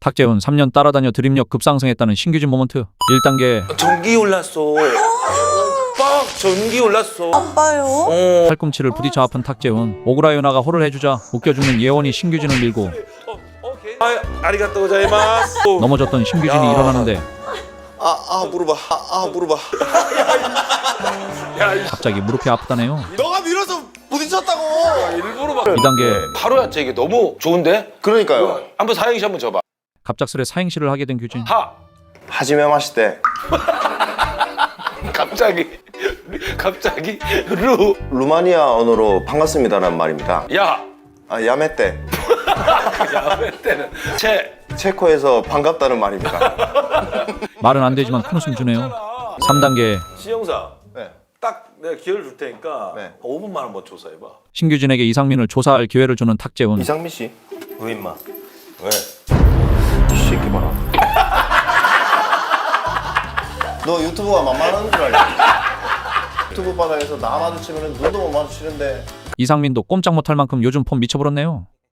탁재훈 3년 따라다녀 드립력 급상승했다는 신규진 모먼트. 1단계 전기 올랐어. 빡 전기 올랐어. 아빠요? 팔꿈치를 부딪혀 아픈 탁재훈. 오그라 요나가 호를 해주자 웃겨 죽는 예원이 신규진을 밀고 아리가또 고자이마스. 넘어졌던 신규진이 야. 일어나는데 무릎아. 갑자기 무릎이 아프다네요. 너가 밀어서 부딪혔다고. 일부러 막 2단계 바로였지. 이게 너무 좋은데? 그러니까요. 한번 사행시 한번 줘봐. 갑작스레 사행시를 하게 된 규진. 하지메 마시테. 갑자기 루마니아 언어로 반갑습니다라는 말입니다. 야 야메떼. 야외 때는 체코에서 반갑다는 말입니다. 말은 안 되지만 큰 웃음 주네요. 3단계 시영사 네. 딱 내가 기회를 줄 테니까 네. 5분만 한번 조사해봐. 신규진에게 이상민을 조사할 기회를 주는 탁재훈. 이상민 씨. 왜 임마? 왜? 이 새끼 봐라. 너 유튜브가 만만한 줄 알지? 유튜브 바닥에서 나 마주치면 눈도 못 마주치는데 이상민도 꼼짝 못할 만큼 요즘 폼 미쳐버렸네요.